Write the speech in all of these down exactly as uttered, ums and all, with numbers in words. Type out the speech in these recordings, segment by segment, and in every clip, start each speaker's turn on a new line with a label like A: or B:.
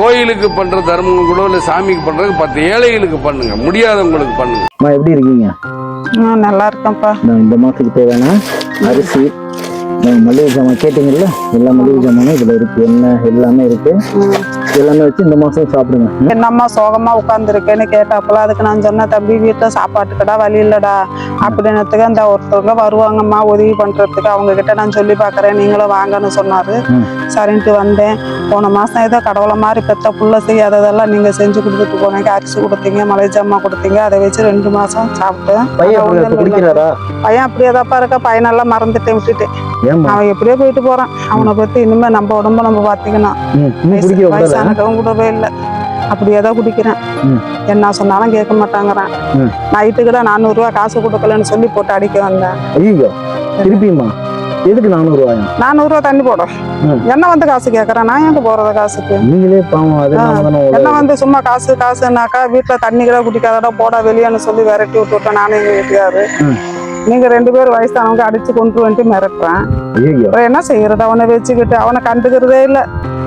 A: கோயிலுக்கு பண்ற தர்மம் கூட இல்ல சாமிக்கு பண்றது பத்து ஏழைகளுக்கு பண்ணுங்க, முடியாதவங்களுக்கு பண்ணுங்க.
B: எப்படி இருக்கீங்க?
C: நல்லா இருக்கேன்ப்பா.
B: இந்த மாசத்துக்கு தேவையான அரிசி மளிகை ஜாமான் கேட்டீங்கல்ல, எல்லா மளிகை ஜாமானும் இதுல இருக்கு, என்ன எல்லாமே இருக்கு. எல்லாமே வச்சு இந்த மாசம் சாப்பிடுங்க.
C: என்னம்மா சோகமா உட்காந்துருக்கேன்னு கேட்டாப்பல, அதுக்கு நான் சொன்ன தம்பி வீட்டுல சாப்பாட்டுக்கடா வழி இல்லடா அப்படின்னதுக்கு அந்த ஒருத்தவங்க வருவாங்கம்மா உதவி பண்றதுக்கு, அவங்க கிட்ட நான் சொல்லி பாக்குறேன் நீங்களும் வாங்கன்னு சொன்னாரு. சரின்ட்டு வந்தேன். போன மாசம் ஏதோ கடவுளை மாதிரி பெத்த புள்ள செய்யாததெல்லாம் நீங்க செஞ்சு கொடுத்துட்டு போனீங்க. அரிசி கொடுத்தீங்க, மலை ஜாமா கொடுத்தீங்க. அதை வச்சு ரெண்டு மாசம் சாப்பிட்டேன். பையன் அப்படியேதாப்பா இருக்க, பையனெல்லாம் மறந்துட்டேன், விட்டுட்டேன். அவன் எப்படியோ போயிட்டு போறான். அவனை பத்தி இனிமே நம்ம உடம்ப நம்ம பாத்தீங்கன்னா வயசானக்கவும் கூடவே இல்லை, அப்படியேதான் குடிக்கிறேன். என்ன சொன்னாலும் கேட்க மாட்டாங்கிறான். நைட்டுக்கிட்ட நானூறு ரூபாய் காசு கொடுக்கலன்னு சொல்லி போட்டு அடிக்க வந்தேன்.
B: ஐயோ திருப்பியுமா? எதுக்கு நானூறு ரூபாய்?
C: நானூறு ரூபாய் தண்ணி போடும். என்ன வந்து காசு கேட்கறேன், நான் எங்க போறது காசுக்கு?
B: நீங்களே பாவம்.
C: என்ன வந்து சும்மா காசு காசுனாக்கா வீட்டுல தண்ணி கூட குடிக்காதடா போடா வெளியேன்னு சொல்லி விரட்டி விட்டு விட்டேன். நானும் எங்க வீட்டுக்காரு நீங்க ரெண்டு பேரும் வயசானவங்க அடிச்சு கொண்டு வந்துட்டு மிரட்டுறேன். என்ன செய்யறது? அவனை வச்சுக்கிட்டு அவனை கண்டுக்கிறதே இல்லை.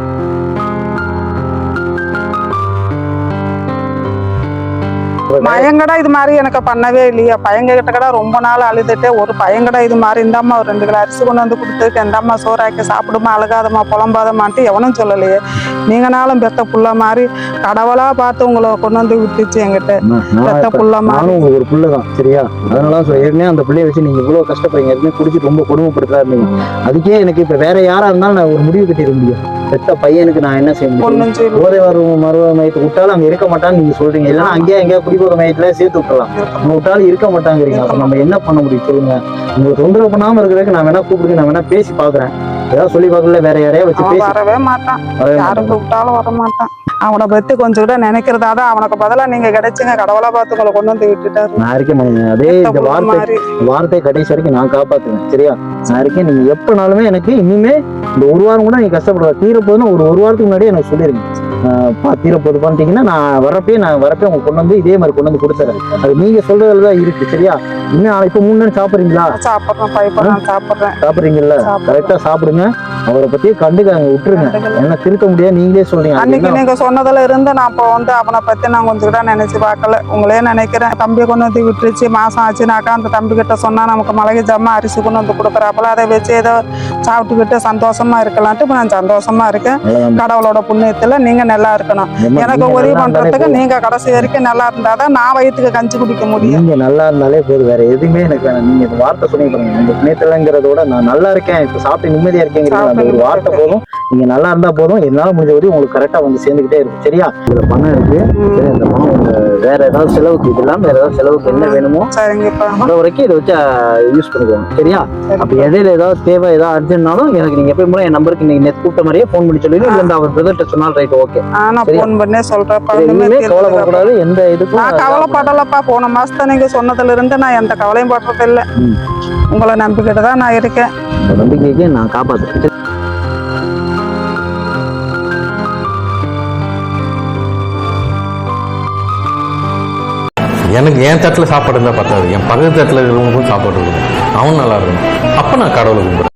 C: பயங்கடா இது மாதிரி எனக்கு பண்ணவே இல்லையா. பையங்க கிட்ட கடை ரொம்ப நாள் அழுதுட்டே ஒரு பையங்கடா இது மாதிரி இந்தாம்மா ஒரு ரெண்டு கிலோ அரிசி கொண்டு வந்து கொடுத்துருக்கு, எந்தாம்மா சோறாக்கி சாப்பிடுமா, அழுகாதம்மா புலம்பாதமான்ட்டு எவனும் சொல்லலையே. நீங்கனாலும் பெத்த புள்ள மாதிரி கடவுளா பார்த்து உங்களை கொண்டு வந்து விட்டுச்சு என்கிட்ட. பெத்த புள்ள மாதிரி
B: ஒரு புள்ளதான் சரியா. அதனால ஏற்கனவே அந்த பிள்ளைய வச்சு நீங்க இவ்வளவு கஷ்டப்படுறீங்க, ஏற்கனவே குடிச்சிட்டு ரொம்ப கொடுமைப்படுத்தா இருந்தீங்க. அதுக்கே எனக்கு இப்ப வேற யாரா இருந்தாலும் நான் ஒரு முடிவு கட்டிட முடியும். பெத்த பையனுக்கு நான் என்ன செய்ய முடியும்? போதை வரும் மருவ மையத்தை விட்டாலும் அங்க இருக்க மாட்டான்னு நீங்க சொல்றீங்க. இல்லைன்னா அங்கேயே எங்கேயா குடிபோத மையத்துல சேர்த்து விட்டுலாம். நம்ம விட்டாலும் இருக்க மாட்டாங்கிறீங்க. அப்ப நம்ம என்ன பண்ண முடியும் சொல்லுங்க? உங்களுக்கு தொந்தரவு பண்ணாம இருக்கிறதுக்கு நான் வேணா கூப்பிடுங்க, நான் வேணா பேசி பாக்குறேன். ஏதாவது சொல்லி பாக்கல, வேற யாரையா வச்சு பேசி
C: வரவே மாட்டான். யாரும் கூப்பிட்டாலும் வர மாட்டான். அவனை பத்தி கொஞ்சம் கூட நினைக்கிறதாதான் அவனுக்கு பதிலா நீங்க கிடைச்சுங்க. கடவுளா பார்த்து உங்களை கொண்டு வந்து விட்டுட்டாரு.
B: நான் இருக்கேன் மகன். அதே இந்த வார்த்தை வார்த்தை கடைசி வரைக்கும் நான் காப்பாத்துவேன் சரியா. நான் இருக்கேன். நீங்க எப்பனாலுமே எனக்கு இனிமே இந்த ஒரு வாரம் கூட நீங்க கஷ்டப்படுற தீரப்போதுன்னு ஒரு ஒரு வாரத்துக்கு முன்னாடியே எனக்கு சொல்லிருங்க. தீரப்போது பண்ணிட்டீங்கன்னா நான் வரப்பே நான் வரப்பே உங்க கொண்டு வந்து இதே மாதிரி கொண்டு வந்து கொடுத்துறேன். அது நீங்க சொல்றதுலதான் இருக்கு சரியா. இன்னும் இப்ப மூணு நேரம் சாப்பிடுறீங்களா?
C: சாப்பிடுறேன் சாப்பிடுறேன்
B: சாப்பிடுறீங்கல்ல, கரெக்டா சாப்பிடுங்க. அவரை பத்தியே கண்டுக்காங்க, விட்டுருங்க. என்ன திருத்த முடியாது, நீங்களே சொல்றீங்க.
C: அன்னைக்கு நீங்க சொன்னதுல இருந்து நான் இப்போ வந்து அவனை பத்தி நான் கொஞ்சம் கூட நினைச்சு பார்க்கல. உங்களே நினைக்கிறேன். தம்பியை கொண்டு வந்து விட்டுருச்சு மாசம் ஆச்சுனாக்கா அந்த தம்பி கிட்ட சொன்னா நமக்கு மளிகை ஜாமான் அரிசி கொண்டு வந்து கொடுக்குறாப்புல, அதை வச்சு ஏதோ சாப்பிட்டுக்கிட்டு சந்தோஷமா இருக்கலான்ட்டு இப்ப நான் சந்தோஷமா இருக்கேன். கடவுளோட புண்ணியத்துல நீங்க நல்லா இருக்கணும். எனக்கு உதவி பண்றதுக்கு நீங்க கடைசி வரைக்கும் நல்லா இருந்தாதான் நான் வயிற்றுக்கு கஞ்சி குடிக்க முடியும்.
B: நீங்க நல்லா இருந்தாலே போதும், வேற எதுவுமே எனக்கு வேணாம். நீங்க இந்த வார்த்தை சொன்னீங்க உங்க புண்ணியத்துலங்கிறத விட நான் நல்லா இருக்கேன், இப்ப சாப்பிட்டு நிம்மதியா இருக்கேங்கிறது அந்த ஒரு வார்த்தை போதும். நீங்க நல்லா இருந்தா போதும். என்னால முடிஞ்ச வரையும் உங்களுக்கு கரெக்டா வந்து சேர்ந்துகிட்டே இருக்கும் சரியா. இதுல பணம் இருக்கு. இந்த பணம் வேற ஏதாவது செலவுக்கு இது இல்லாம வேற ஏதாவது செலவுக்கு என்ன வேணுமோ அந்த வரைக்கும் இதை வச்சு யூஸ் பண்ணிக்கோங்க சரியா. அப்ப இடையில ஏதாவது தேவை ஏதாவது அர்ஜென்ட்னாலும் எனக்கு நீங்க எப்பயும் போல என் நம்பருக்கு நீங்க நெட் கூப்பிட்ட மாதிரியே போன் பண்ணி சொல்லுங்க. இல்ல அவர் பிரதர்ட்ட சொன்னாலும் ரைட் ஓகே. கவலைப்படக்கூடாது. எந்த இதுக்கும்
C: நான் கவலைப்படலப்பா. போன மாசத்தை நீங்க சொன்னதுல இருந்து நான் எந்த கவலையும் படுறது இல்லை. உங்களை நம்பிக்கிட்டு தான் நான் இருக்கேன்.
B: நம்பிக்கைக்கு நான் காப்பாத்துறேன்.
D: எனக்கு என் தட்டில் சாப்பாடு இருந்தால் பத்தாது, என் பக்கத்து தட்டில் இருக்கிறவங்களுக்கும் சாப்பாடு இருக்கணும், அவன் நல்லா இருக்கணும். அப்போ நான் கடவுளை கும்பிடுறேன்.